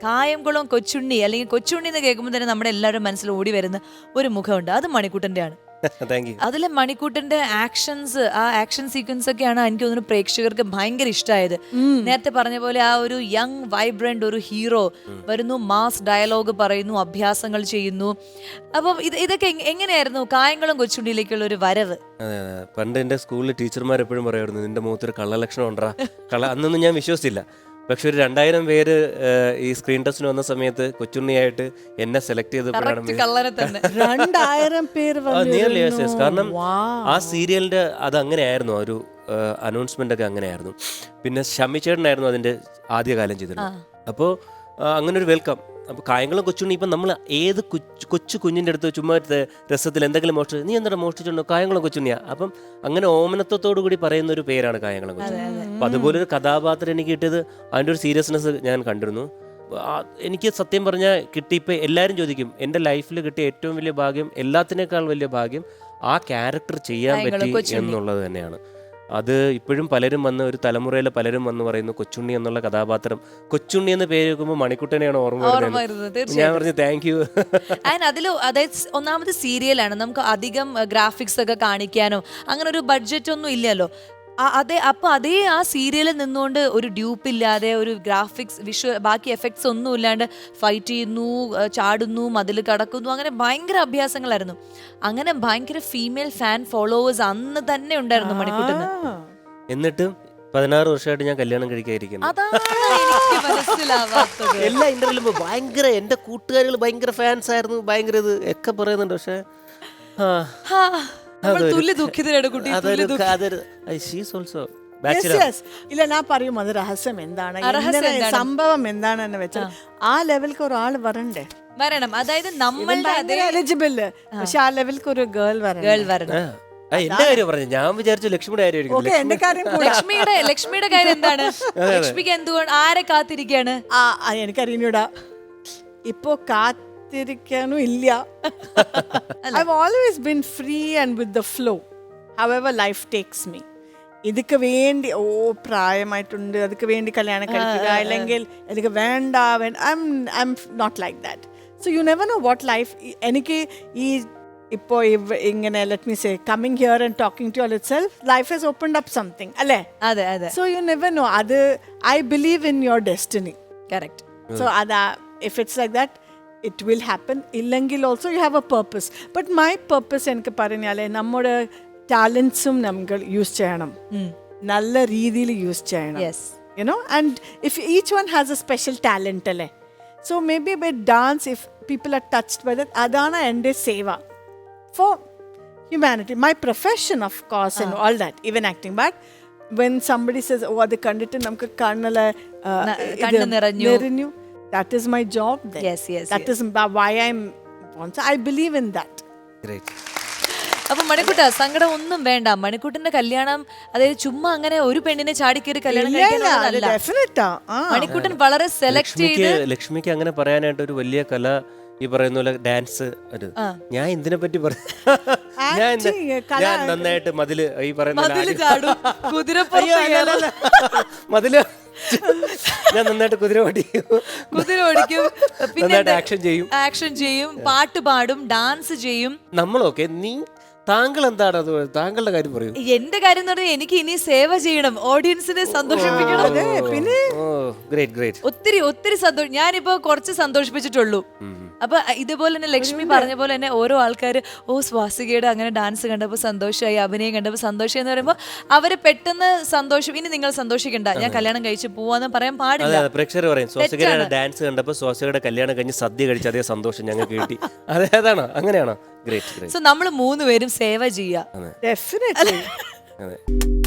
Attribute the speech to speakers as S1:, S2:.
S1: കായംകുളം കൊച്ചുണ്ണി അല്ലെങ്കിൽ കൊച്ചുണ്ണി എന്ന് കേൾക്കുമ്പോൾ തന്നെ നമ്മുടെ എല്ലാവരും മനസ്സിൽ ഓടി വരുന്ന ഒരു മുഖമുണ്ട്, അത് മണിക്കുട്ടന്റെ ആണ്. അതിലെ മണിക്കൂട്ടന്റെ ആക്ഷൻസ്, ആ ആക്ഷൻ സീക്വൻസ് ഒക്കെയാണ് എനിക്ക് തോന്നുന്നു പ്രേക്ഷകർക്ക് ഭയങ്കര ഇഷ്ടമായത്. നേരത്തെ പറഞ്ഞ പോലെ ആ ഒരു യങ് വൈബ്രന്റ് ഒരു ഹീറോ വരുന്നു, മാസ് ഡയലോഗ് പറയുന്നു, അഭ്യാസങ്ങൾ ചെയ്യുന്നു. അപ്പം ഇതൊക്കെ എങ്ങനെയായിരുന്നു കായംകുളം കൊച്ചുണ്ണിയിലേക്കുള്ള ഒരു വരവ്?
S2: പണ്ട് എന്റെ സ്കൂളിൽ ടീച്ചർമാർ എപ്പോഴും പറയുമായിരുന്നു, നിന്റെ മുഖത്തൊരു കള്ളലക്ഷണം ഉണ്ടാ. അന്നൊന്നും ഞാൻ വിശ്വസിച്ചില്ല. പക്ഷെ ഒരു 2000 പേര് ഈ സ്ക്രീൻ ടെസ്റ്റിന് വന്ന സമയത്ത് കൊച്ചുണ്ണിയായിട്ട് എന്നെ സെലക്ട് ചെയ്തപ്പോഴാണ്
S3: 2000 പേര്.
S2: കാരണം ആ സീരിയലിന്റെ അത് അങ്ങനെയായിരുന്നു, ഒരു അനൗൺസ്മെന്റ് ഒക്കെ അങ്ങനെയായിരുന്നു. പിന്നെ ഷമ്മിച്ചേട്ടനായിരുന്നു അതിന്റെ ആദ്യകാലം ചെയ്തിരുന്നത്. അപ്പോൾ അങ്ങനെ ഒരു വെൽക്കം. അപ്പോൾ കായംകുളം കൊച്ചുണ്ണി ഇപ്പം നമ്മൾ ഏത് കൊച്ചു കുഞ്ഞിൻ്റെ അടുത്ത് ചുമ്മാ രസത്തിൽ എന്തെങ്കിലും മോഷ്ടിച്ചു, നീ എന്താ മോഷ്ടിച്ചുണ്ടോ, കായംകുളം കൊച്ചുണ്ണിയാ. അപ്പം അങ്ങനെ ഓമനത്വത്തോടു കൂടി പറയുന്ന ഒരു പേരാണ് കായംകുളം കൊച്ചുണ്ണി. അപ്പം അതുപോലൊരു കഥാപാത്രം എനിക്ക് കിട്ടിയത് അതിൻ്റെ ഒരു സീരിയസ്നെസ് ഞാൻ കണ്ടിരുന്നു. എനിക്ക് സത്യം പറഞ്ഞാൽ കിട്ടിയപ്പോൾ എല്ലാവരും ചോദിക്കും, എൻ്റെ ലൈഫിൽ കിട്ടിയ ഏറ്റവും വലിയ ഭാഗ്യം, എല്ലാത്തിനേക്കാൾ വലിയ ഭാഗ്യം ആ ക്യാരക്ടർ ചെയ്യാൻ പറ്റി എന്നുള്ളത് തന്നെയാണ്. അത് ഇപ്പോഴും പലരും വന്ന്, ഒരു തലമുറയിലെ പലരും വന്ന് പറയുന്നു കൊച്ചുണ്ണി എന്നുള്ള കഥാപാത്രം, കൊച്ചുണ്ണി എന്ന പേര് വെക്കുമ്പോൾ മണിക്കുട്ടനെയാണ് ഓർമ്മ വരുന്നത്. ഞാൻ പറഞ്ഞു താങ്ക് യു.
S1: അതിൽ അതായത് ഒന്നാമത് സീരിയലാണ്, നമുക്ക് അധികം ഗ്രാഫിക്സ് ഒക്കെ കാണിക്കാനോ അങ്ങനെ ഒരു ബഡ്ജറ്റ് ഒന്നും ഇല്ലല്ലോ. അപ്പൊ അതേ ആ സീരിയലിൽ നിന്നുകൊണ്ട് ഒരു ഡ്യൂപ്പ് ഇല്ലാതെ, ഒരു ഗ്രാഫിക്സ് വിഷ്വൽ ബാക്കി എഫക്ട്സ് ഒന്നും ഇല്ലാണ്ട് ഫൈറ്റ് ചെയ്യുന്നു, ചാടുന്നു, മതിൽ കടക്കുന്നു, അങ്ങനെ ഭയങ്കര അഭ്യാസങ്ങളായിരുന്നു. അങ്ങനെ ഭയങ്കര ഫീമെയിൽ ഫാൻ ഫോളോവേഴ്സ് അന്ന് തന്നെ ഉണ്ടായിരുന്നു മണിക്കൂട്ടിന്.
S2: എന്നിട്ട് 16 വർഷമായിട്ട് ഞാൻ കല്യാണം കഴിക്കാതിരിക്കുന്നു. എല്ലാ ഇന്റർവ്യൂലും ഭയങ്കര, എന്റെ കൂട്ടുകാരികൾ ഭയങ്കര ഫാൻസ് ആയിരുന്നു, ഭയങ്കര ഇത് ഒക്കെ പറയുന്നുണ്ട്. പക്ഷെ
S3: ഇല്ല, ഞാൻ പറയും അത് രഹസ്യം എന്താണ്, സംഭവം എന്താണെന്ന് വെച്ചാൽ ആ ലെവൽക്ക് ഒരാൾ വരണ്ടേ,
S1: വരണം. അതായത് നമ്മളുടെ
S3: എലിജിബിൾ, പക്ഷെ ആ ലെവൽക്ക് ഒരു ഗേൾ വരണം.
S2: എന്റെ കാര്യം പറഞ്ഞു, ഞാൻ വിചാരിച്ചു ലക്ഷ്മിയുടെ കാര്യം.
S1: ലക്ഷ്മിയുടെ കാര്യം എന്താണ്? ലക്ഷ്മിക്ക് എന്തുകൊണ്ട് ആരെ കാത്തിരിക്കാണ്?
S3: എനിക്കറിയൂടാ, ഇപ്പോ കാത്തിരിക്കാനും ഇല്ല. I've always been free and with the flow, however life takes me. ഇതിക്ക് വേണ്ടി പ്രായമായിട്ടുണ്ട്, അതിക്ക് വേണ്ടി കല്യാണം കഴിക്കുക, അല്ലെങ്കിൽ എനിക്ക് വേണ്ട, I'm not like that. So you never know what life. എനിക്ക് ഈ ഇപ്പോൾ ഇങ്ങനെ let me say coming here and talking to you all itself, life has opened up something, അല്ലേ?
S1: അതെ അതെ.
S3: So you never know. അത് I believe in your destiny.
S1: Correct.
S3: So if it's like that, it will happen. ഇല്ലെങ്കിൽ also you have a purpose. But my purpose എനിക്ക് പറഞ്ഞാലേ നമ്മുടെ ടാലൻസും നമ്മൾ use ചെയ്യണം, നല്ല രീതിയിൽ യൂസ് ചെയ്യണം. You know, and if each one has a special talent, അല്ലേ? So maybe with dance, if people are touched by that, adana എൻ്റെ സേവ for humanity. My profession, of course, and all that, even acting. But when somebody says, oh, adu kandittu namukku kannala
S1: kannu niranju,
S3: that is my job then.
S1: Yes.
S3: That is why I'm born. So I believe in that.
S2: Great.
S1: അപ്പൊ മണിക്കൂട്ട സങ്കടം ഒന്നും വേണ്ട. മണിക്കൂട്ടിന്റെ കല്യാണം അതായത് ചുമ്മാ അങ്ങനെ ഒരു പെണ്ണിനെ ചാടിക്കേറി കല്യാണം കഴിക്കാനല്ല. മണിക്കൂട്ടൻ വളരെ സെലക്ട് ചെയ്ത്.
S2: ലക്ഷ്മിക്ക് അങ്ങനെ പറയാനായിട്ട് ഒരു വലിയ കല, ഈ പറയുന്ന പോലെ ഡാൻസ്, ഞാൻ ഇതിനെ പറ്റി ഞാൻ നന്നായിട്ട് മതില്, ഈ പറയുന്ന മതില് ഞാൻ നന്നായിട്ട് കുതിര
S1: ഓടിക്കും,
S2: പിന്നെ
S1: ആക്ഷൻ ചെയ്യും, പാട്ട് പാടും, ഡാൻസ് ചെയ്യും.
S2: നമ്മളൊക്കെ താങ്കൾ എന്താണ് അത്, താങ്കളുടെ കാര്യം പറയൂ.
S1: എന്റെ കാര്യം എന്ന് പറഞ്ഞാൽ എനിക്ക് ഇനി സേവ ചെയ്യണം, ഓഡിയൻസിനെ സന്തോഷിപ്പിക്കണം.
S3: പിന്നെ
S1: ഒത്തിരി സന്തോഷം. ഞാനിപ്പോ കുറച്ച് സന്തോഷിപ്പിച്ചിട്ടുള്ളൂ. അപ്പൊ ഇതുപോലെ തന്നെ ലക്ഷ്മി പറഞ്ഞ പോലെ തന്നെ ഓരോ ആൾക്കാർ സ്വാസികയുടെ അങ്ങനെ ഡാൻസ് കണ്ടപ്പോൾ സന്തോഷമായി, അഭിനയം കണ്ടപ്പോൾ സന്തോഷം എന്ന് പറയുമ്പോൾ അവര് പെട്ടെന്ന് സന്തോഷം, ഇനി നിങ്ങൾ സന്തോഷിക്കണ്ട, ഞാൻ കല്യാണം കഴിച്ച് പോവാന്ന് പറയാൻ പാടില്ല.
S2: പ്രേക്ഷകർ പറയും സ്വാസികയുടെ ഡാൻസ് കണ്ടപ്പോൾ സ്വാസികയുടെ കല്യാണം കഴിഞ്ഞ് സദ്യ കഴിച്ച അതേ സന്തോഷം ഞങ്ങൾക്ക് കിട്ടി. അതേതാണോ, അങ്ങനെയാണോ? ഗ്രേറ്റ്.
S1: സോ നമ്മൾ 3 പേരും സേവ ചെയ്യാം.
S3: ഡെഫിനറ്റ്ലി.